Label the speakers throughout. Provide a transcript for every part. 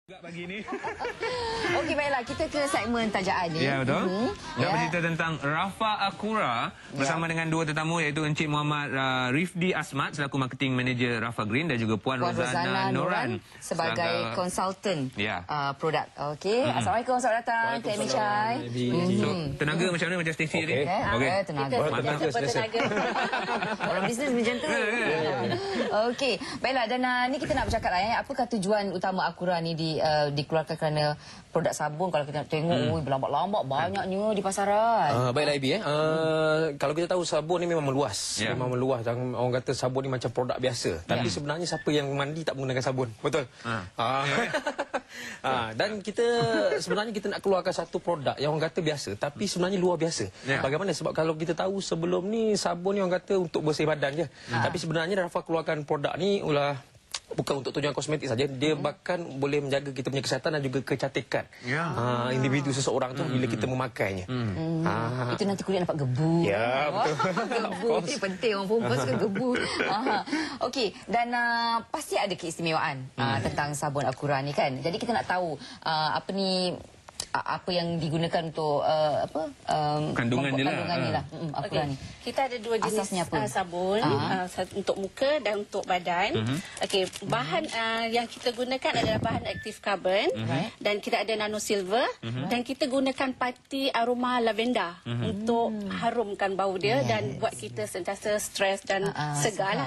Speaker 1: Pagi ni.
Speaker 2: Okey, baiklah. Kita ke segmen tajaan ni.
Speaker 1: Ya, betul. Nak bercerita tentang Rafa Akura bersama dengan dua tetamu iaitu Encik Muhammad Rifdi Asmat selaku Marketing Manager Rafa Green dan juga Puan Rozana Noran
Speaker 2: sebagai konsultan produk. Okey. Assalamualaikum, selamat datang ke Amy Chai.
Speaker 1: So, tenaga macam mana macam Stacey tadi?
Speaker 2: Okey. Tenaga.
Speaker 3: Tenaga.
Speaker 2: Orang bisnes macam tu. Okey. Baiklah, dan ni kita nak bercakap lah. Apakah tujuan utama Akura ni dikeluarkan kerana produk sabun? Kalau kita tengok berlambak-lambak banyaknya di pasaran.
Speaker 4: Baiklah Ibi, kalau kita tahu sabun ni memang meluas. Memang meluas. Dan orang kata sabun ni macam produk biasa. Tapi sebenarnya siapa yang mandi tak menggunakan sabun? Betul? Dan kita sebenarnya kita nak keluarkan satu produk yang orang kata biasa tapi sebenarnya luar biasa. Bagaimana? Sebab kalau kita tahu sebelum ni sabun ni orang kata untuk bersih badan je. Tapi sebenarnya Rafa keluarkan produk ni bukan untuk tujuan kosmetik saja, dia bahkan boleh menjaga kita punya kesihatan dan juga kecantikan individu seseorang tu bila kita memakainya.
Speaker 2: Itu nanti kulit nampak gebu.
Speaker 4: Ya, betul.
Speaker 2: Gebu itu penting, orang perempuan suka gebu. Okey, dan pasti ada keistimewaan tentang sabun Akura ni kan. Jadi kita nak tahu apa yang digunakan untuk
Speaker 1: kandungan ni lah.
Speaker 2: Akura ni.
Speaker 3: Kita ada dua jenis sabun, untuk muka dan untuk badan. Okey, bahan yang kita gunakan adalah bahan aktif carbon dan kita ada nano silver dan kita gunakan pati aroma lavender untuk harumkan bau dia dan buat kita sentiasa stres dan segar lah.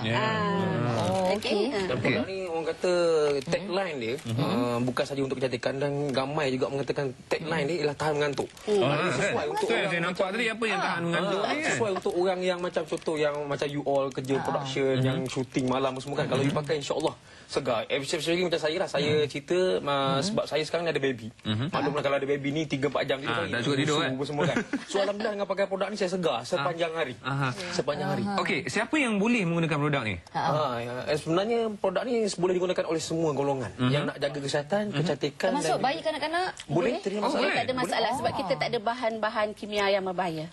Speaker 2: Okey.
Speaker 4: Dan produk ni orang kata tagline dia bukan saja untuk kecantikan dan ramai juga mengatakan tagline dia ialah tahan mengantuk.
Speaker 1: Sesuai untuk orang saya nampak tadi apa yang tahan mengantuk ni kan.
Speaker 4: Sesuai untuk orang yang macam contoh yang macam you all kerja production yang shooting malam semua kan. Kalau you pakai insya-Allah segar. Especially macam saya lah. Saya cerita sebab saya sekarang ni ada baby. Maklumlah kalau ada baby ni 3-4 jam tidur
Speaker 1: tak suka tidur kan.
Speaker 4: Semua kan. So alhamdulillah dengan pakai produk ni saya segar sepanjang hari. Sepanjang hari.
Speaker 1: Okey, siapa yang boleh menggunakan produk ni?
Speaker 4: Sebenarnya produk ni boleh digunakan oleh semua golongan yang nak jaga kesihatan, kecantikan.
Speaker 2: Termasuk bayi kanak-kanak?
Speaker 4: Boleh, tidak masalah.
Speaker 3: Tak ada masalah sebab kita tak ada bahan-bahan kimia yang berbahaya.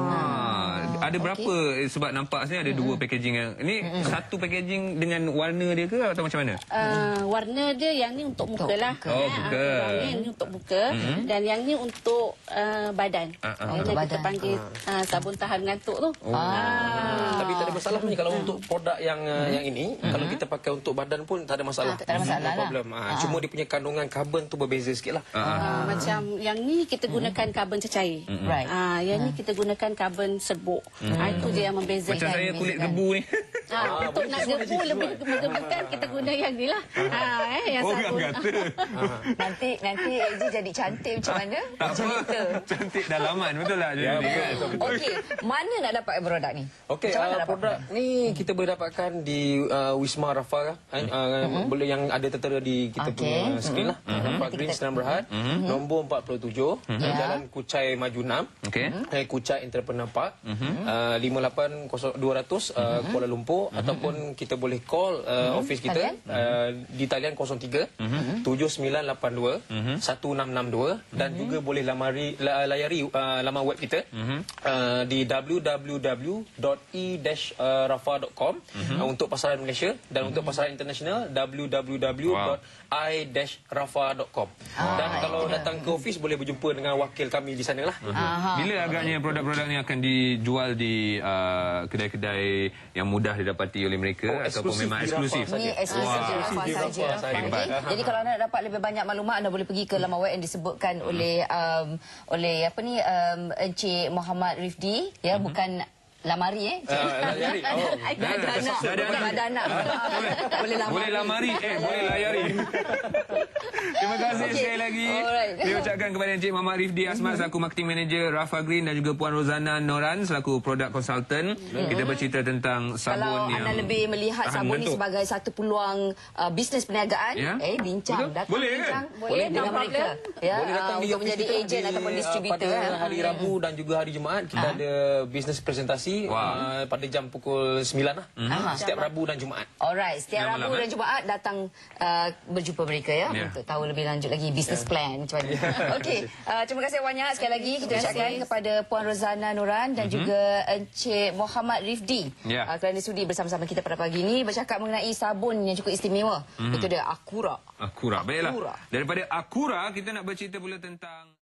Speaker 1: Ada berapa? Sebab nampak sini ada dua packaging yang ini satu packaging dengan warna dia ke atau macam mana?
Speaker 3: Warna dia yang ni untuk muka lah.
Speaker 1: Muka.
Speaker 3: Yang ni untuk muka dan yang ni untuk badan. Yang kita panggil sabun tahan ngantuk tu.
Speaker 4: Tapi tak ada masalah ni kalau untuk produk yang ini, kalau kita pakai untuk badan pun tak ada masalah.
Speaker 2: Tak ada masalah lah.
Speaker 4: Problem. Cuma dia punya kandungan karbon tu berbeza sikitlah.
Speaker 3: Macam yang ni kita gunakan karbon cecair. Yang ni kita gunakan karbon serbuk. Itu je yang membezakan.
Speaker 1: Macam saya kulit gebu ni.
Speaker 3: Untuk nak gebu lebih menggebukan kita guna yang ni lah. Yang sabun.
Speaker 2: Nanti Eji jadi cantik macam mana?
Speaker 1: Tak apa. Cantik dalaman betul lah.
Speaker 2: Okey, mana nak dapat produk ni?
Speaker 4: Okey, produk ni kita boleh dapatkan di Wisma Rafa boleh yang ada tertera di kita punya skrin lah. Rafa Green Senan Berhad, nombor 47, Jalan Kuchai Maju 6, Kuchai Entrepreneur Park, 58200 Kuala Lumpur, ataupun kita boleh call office kita di talian 03 7982 1662 dan juga boleh layari laman web kita di www.e-rafa.com untuk pasaran Malaysia dan untuk pasaran international www.i-rafa.com. Dan kalau datang ke office boleh berjumpa dengan wakil kami di sana lah.
Speaker 1: Bila agaknya produk-produk ni akan dijual di kedai-kedai yang mudah didapati oleh mereka ataupun memang eksklusif?
Speaker 2: Ini eksklusif saja. Jadi kalau anda nak dapat lebih banyak maklumat anda boleh pergi ke laman web yang disebutkan oleh Encik Muhammad Rifdi, bukan lamari
Speaker 4: layari.
Speaker 2: Ada anak.
Speaker 1: Boleh lamari, boleh layari. Terima kasih sekali lagi. Saya ucapkan kepada Encik Muhammad Rifdi Asmat selaku Marketing Manager Rafa Green dan juga Puan Rozana Noran selaku Product Consultant. Kita bercerita tentang sabun yang
Speaker 2: anda lebih melihat sabun ni sebagai satu peluang bisnes perniagaan, bincang.
Speaker 1: Boleh kan?
Speaker 2: Boleh dengan mereka.
Speaker 4: Boleh datang
Speaker 2: untuk menjadi ejen ataupun distributor.
Speaker 4: Pada hari Rabu dan juga hari Jumaat kita ada bisnes presentasi promosi pada jam pukul 9 lah. Setiap Rabu dan Jumaat.
Speaker 2: Alright, setiap
Speaker 1: Malam,
Speaker 2: Rabu dan Jumaat datang berjumpa mereka ya untuk tahu lebih lanjut lagi business plan macam mana. Okey, terima kasih banyak sekali lagi kita ucapkan kepada Puan Rozana Noran dan juga Encik Muhammad Rifdi kerana sudi bersama-sama kita pada pagi ini bercakap mengenai sabun yang cukup istimewa. Itu dia Akura.
Speaker 1: Akura. Baiklah. Daripada Akura kita nak bercerita pula tentang